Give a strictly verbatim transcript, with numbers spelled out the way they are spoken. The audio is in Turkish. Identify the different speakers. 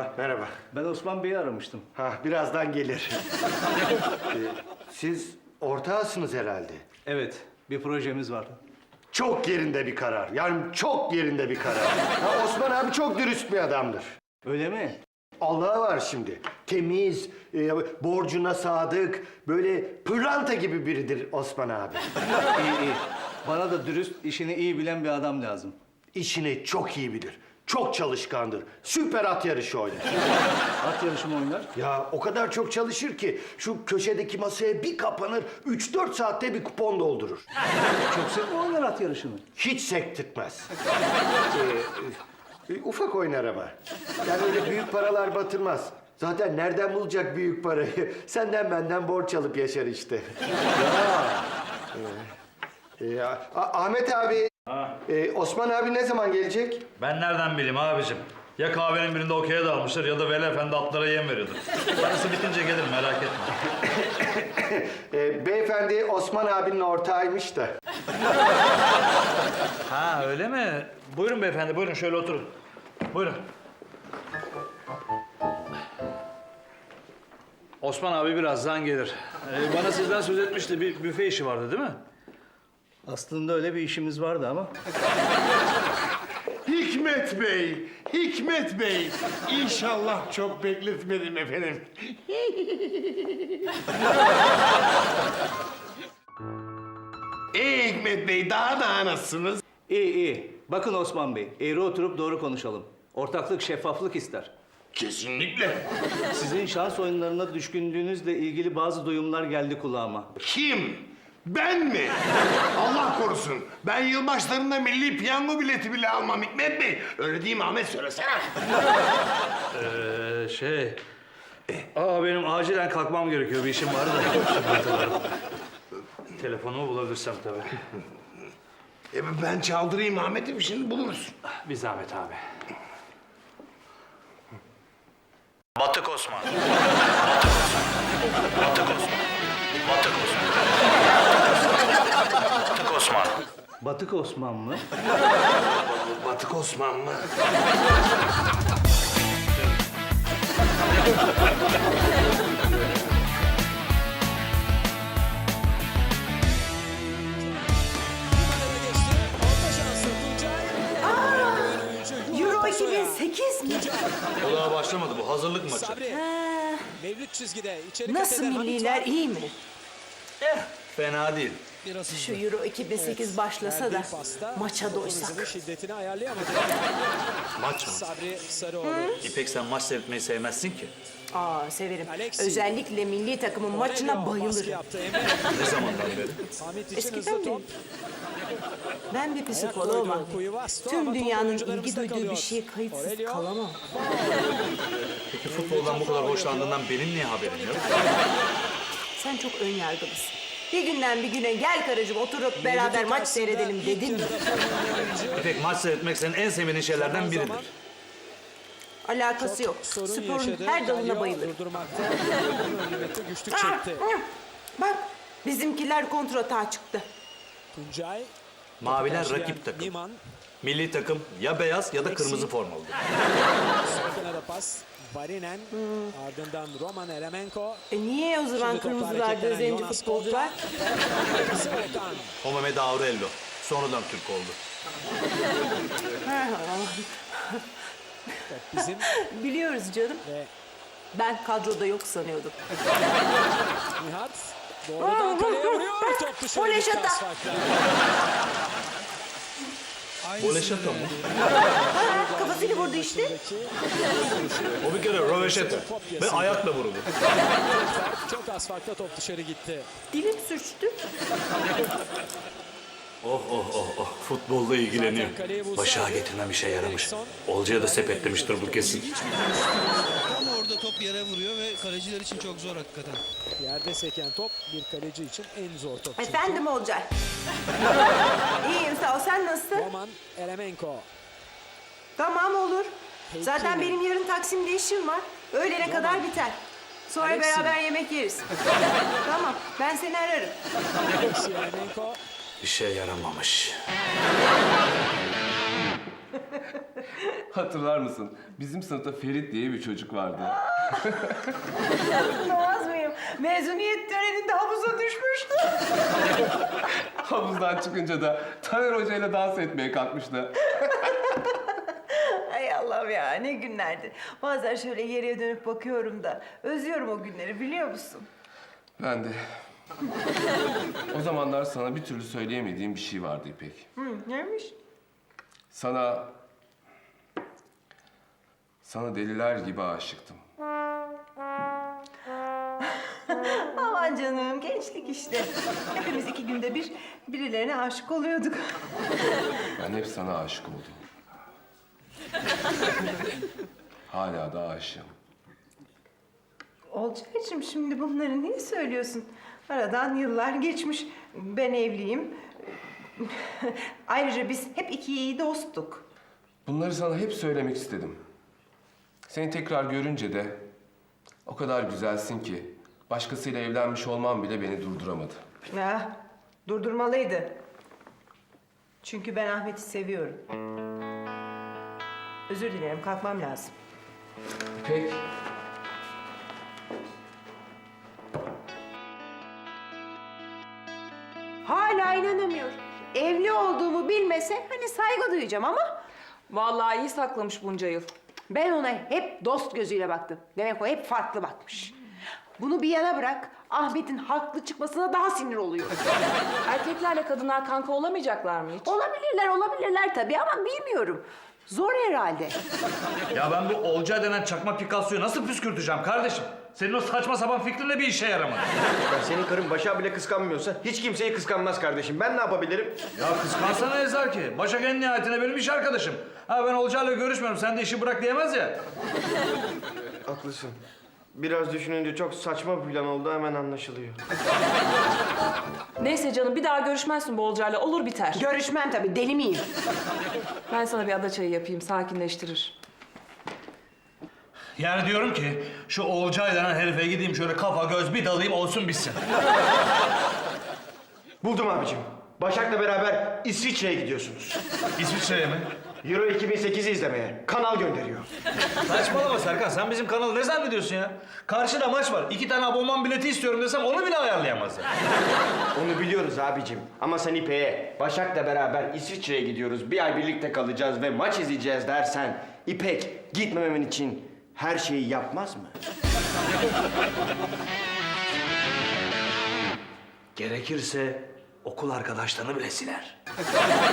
Speaker 1: merhaba.
Speaker 2: Ben Osman Bey'i aramıştım.
Speaker 1: Ha, birazdan gelir. Ee, siz ortağısınız herhalde.
Speaker 2: Evet, bir projemiz var.
Speaker 1: Çok yerinde bir karar. Yani çok yerinde bir karar. Ha, Osman abi çok dürüst bir adamdır.
Speaker 2: Öyle mi?
Speaker 1: Allah'a var şimdi. Temiz, e, borcuna sadık, böyle pırlanta gibi biridir Osman abi.
Speaker 2: İyi iyi. Bana da dürüst, işini iyi bilen bir adam lazım.
Speaker 1: İşini çok iyi bilir. Çok çalışkandır. Süper at yarışı oynar.
Speaker 2: At yarışı mı oynar?
Speaker 1: Ya o kadar çok çalışır ki şu köşedeki masaya bir kapanır, üç dört saatte bir kupon doldurur.
Speaker 2: Çok sık mı oynar at yarışını?
Speaker 1: Hiç sektirtmez. Ee, e, ufak oynar ama. Yani öyle büyük paralar batırmaz. Zaten nereden bulacak büyük parayı? Senden benden borç alıp yaşar işte. Ya. Ee, e, A- Ahmet abi, e, Osman abi ne zaman gelecek?
Speaker 3: Ben nereden bileyim abicim? Ya kahvenin birinde okey'e dalmıştır ya da Veli Efendi atlara yem veriyordur. Parası bitince gelir merak etme.
Speaker 1: E, beyefendi Osman abinin ortağıymış da.
Speaker 3: Ha öyle mi? Buyurun beyefendi buyurun şöyle oturun. Buyurun. Osman abi birazdan gelir. Ee, bana sizden söz etmişti. Bir büfe işi vardı değil mi?
Speaker 2: Aslında öyle bir işimiz vardı ama.
Speaker 4: Hikmet Bey, Hikmet Bey. İnşallah çok bekletmedim efendim. Ee Hikmet Bey, daha da nasılsınız?
Speaker 2: İyi iyi. Bakın Osman Bey, eğri oturup doğru konuşalım. Ortaklık şeffaflık ister.
Speaker 4: Kesinlikle.
Speaker 2: Sizin şans oyunlarına düşkünlüğünüzle ilgili bazı duyumlar geldi kulağıma.
Speaker 4: Kim? Ben mi? Allah korusun. Ben yılbaşlarında milli piyango bileti bile almam Hikmet Bey. Öyle değil mi Ahmet, söylesene.
Speaker 3: Ee, şey... Aa benim acilen kalkmam gerekiyor. Bir işim var da. Şimdi hatırlarım. Telefonumu bulabilirsem tabii.
Speaker 4: E, ben çaldırayım Ahmet'im, şimdi buluruz.
Speaker 3: Bir zahmet abi. Batık Osman. Batık Osman. Batık Osman. Batık Osman.
Speaker 2: Batık Osman mı?
Speaker 4: Batık Osman mı?
Speaker 5: Euro iki bin sekiz mi?
Speaker 3: O daha başlamadı bu. Hazırlık maçı.
Speaker 6: Mevlüt çizgide içeri
Speaker 5: Nasıl
Speaker 6: kat eden
Speaker 5: milliler,
Speaker 6: Hamit var.
Speaker 5: iyi mi?
Speaker 3: Fena değil.
Speaker 5: Şu Euro iki bin sekiz başlasa da
Speaker 6: Verdiği pasta
Speaker 5: maça doysak.
Speaker 6: hızını, şiddetini ayarlayamadı.
Speaker 3: Maç mı?
Speaker 6: Sabri Sarıoğlu.
Speaker 3: İpek sen maç seyretmeyi sevmezsin ki.
Speaker 5: Aa severim.
Speaker 6: Alexi.
Speaker 5: Özellikle milli takımın maçına
Speaker 6: Aurelio baskı
Speaker 5: bayılırım.
Speaker 6: yaptı. Emre
Speaker 3: Ne zamandan beri?
Speaker 6: Hamit için
Speaker 5: Eskiden
Speaker 6: hızlı
Speaker 5: beri.
Speaker 6: top.
Speaker 5: Ben bir psikoloğum.
Speaker 6: koydu, Kuivasto ama
Speaker 5: Tüm
Speaker 6: top
Speaker 5: dünyanın
Speaker 6: oyuncularımızda
Speaker 5: ilgi duyduğu
Speaker 6: kalıyor.
Speaker 5: bir şeye kayıtsız
Speaker 6: Aurelio.
Speaker 5: kalamam.
Speaker 3: Peki futboldan bu kadar hoşlandığından benim niye haberim yok?
Speaker 5: Sen çok ön yargılısın. Bir günden bir güne gel karıcığım oturup beraber maç seyredelim dedin mi?
Speaker 3: İpek maç seyretmek senin en sevmediğin şeylerden biridir.
Speaker 5: Alakası yok.
Speaker 6: Sorun
Speaker 5: Sporun
Speaker 6: yaşadı.
Speaker 5: her dalına
Speaker 6: Galio
Speaker 5: bayılırım.
Speaker 6: Durdurmakta. Nimet'e güçlük
Speaker 5: Ah,
Speaker 6: çekti.
Speaker 5: hı. Bak bizimkiler kontratağa çıktı.
Speaker 6: Tuncay.
Speaker 3: Maviler
Speaker 6: karşılayan
Speaker 3: rakip takım.
Speaker 6: Niman.
Speaker 3: Milli takım ya beyaz ya da kırmızı formalıdır.
Speaker 6: Sol kenara pas. Varinen. Ardından Roman Eremenko.
Speaker 5: E niye o zaman
Speaker 6: Şimdi topu
Speaker 5: kırmızılarda
Speaker 6: hareketlenen
Speaker 5: zenci
Speaker 6: Jonas
Speaker 5: futbolcular?
Speaker 6: Serkan.
Speaker 3: Homemed Aurello. Sonradan Türk oldu.
Speaker 6: Bizim
Speaker 5: Biliyoruz canım.
Speaker 6: ve
Speaker 5: Ben kadroda yok sanıyordum.
Speaker 6: Nihat. Doğrudan kaleye vuruyor. Top dışarı
Speaker 5: Voley
Speaker 6: gitti
Speaker 5: şata.
Speaker 6: asfalttan.
Speaker 3: Boleşato mu?
Speaker 5: Ha, kafasıyla vurdu işte.
Speaker 3: O bir kere röveşete ve ayakla vuruldu.
Speaker 6: Çok asfaltta top dışarı gitti.
Speaker 5: Dilim sürçtü.
Speaker 3: Oh oh oh oh. Futbolla ilgileniyor. Başak'a getirmem işe yaramış. Olcay'a da sepetlemiştir bu kesin.
Speaker 7: Tam orada top yere vuruyor ve kaleciler için çok zor hakikaten.
Speaker 6: Yerde seken top bir kaleci için en zor top. çünkü.
Speaker 5: Efendim Olcay. İyiyim sağ ol. Sen nasılsın?
Speaker 6: Roman Eremenko.
Speaker 5: Tamam olur.
Speaker 6: Peki.
Speaker 5: Zaten benim yarın Taksim'de işim var. Öğlene kadar biter. Sonra
Speaker 6: Alexi.
Speaker 5: beraber yemek yeriz. Tamam. Ben seni ararım.
Speaker 6: Alexi Eremenko.
Speaker 3: İşe yaramamış.
Speaker 8: Hatırlar mısın? Bizim sınıfta Ferit diye bir çocuk vardı.
Speaker 5: Olmaz mıyım? Mezuniyet töreninde havuza düşmüştü.
Speaker 8: Havuzdan çıkınca da Taner Hoca ile dans etmeye kalkmıştı.
Speaker 5: Ay Allah'ım ya, ne günlerdi. Bazen şöyle geriye dönüp bakıyorum da özlüyorum o günleri, biliyor musun?
Speaker 8: Ben de. O zamanlar sana bir türlü söyleyemediğim bir şey vardı İpek.
Speaker 5: Hı, neymiş?
Speaker 8: Sana... Sana deliler gibi aşıktım.
Speaker 5: Aman canım, gençlik işte. Hepimiz iki günde bir birilerine aşık oluyorduk.
Speaker 8: Ben hep sana aşık oldum. Hala da aşığım.
Speaker 5: Olcaycığım, şimdi bunları niye söylüyorsun? Aradan yıllar geçmiş. Ben evliyim. Ayrıca biz hep iki iyi dosttuk.
Speaker 8: Bunları sana hep söylemek istedim. Seni tekrar görünce de o kadar güzelsin ki başkasıyla evlenmiş olmam bile beni durduramadı.
Speaker 5: Ya, durdurmalıydı. Çünkü ben Ahmet'i seviyorum. Özür dilerim, kalkmam lazım.
Speaker 8: İpek,
Speaker 5: Hala inanamıyorum. Evli olduğumu bilmese hani saygı duyacağım ama...
Speaker 9: Vallahi iyi saklamış bunca yıl.
Speaker 5: Ben ona hep dost gözüyle baktım. Demek o hep farklı bakmış. Bunu bir yana bırak, Ahmet'in haklı çıkmasına daha sinir oluyor.
Speaker 9: Erkeklerle kadınlar kanka olamayacaklar mı hiç?
Speaker 5: Olabilirler, olabilirler tabii ama bilmiyorum. Zor herhalde.
Speaker 3: Ya ben bu Olcay denen çakma Picasso'yu nasıl püskürteceğim kardeşim? Senin o saçma sapan fikrinle bir işe yaramadı.
Speaker 1: Ya senin karın Başak'ı bile kıskanmıyorsa hiç kimseyi kıskanmaz kardeşim. Ben ne yapabilirim?
Speaker 3: Ya kıskansana Ezel ki. Başak en nihayetinde benim iş arkadaşım. Ha ben Olcay'la görüşmüyorum, sen de işi bırak diyemez ya.
Speaker 1: Haklısın. Biraz düşününce çok saçma bir plan oldu, hemen anlaşılıyor.
Speaker 9: Neyse canım, bir daha görüşmezsin bu Olcay'la, olur biter.
Speaker 5: Görüşmem tabii, deli miyim?
Speaker 9: Ben sana bir ada çayı yapayım, sakinleştirir.
Speaker 3: Yani diyorum ki şu Olcay denen herife gideyim şöyle kafa göz bir dalayım olsun bitsin.
Speaker 1: Buldum abicim. Başak'la beraber İsviçre'ye gidiyorsunuz.
Speaker 3: İsviçre'ye mi?
Speaker 1: Euro iki bin sekiz'i izlemeye. Kanal gönderiyor.
Speaker 3: Saçmalama Serkan, sen bizim kanalı ne zannediyorsun ya? Karşıda maç var. İki tane abonman bileti istiyorum desem onu bile ayarlayamazlar.
Speaker 1: Onu biliyoruz abicim. Ama sen İpek'e Başak'la beraber İsviçre'ye gidiyoruz, bir ay birlikte kalacağız ve maç izleyeceğiz dersen İpek gitmememin için her şeyi yapmaz mı?
Speaker 2: Gerekirse okul arkadaşlarını bile siler.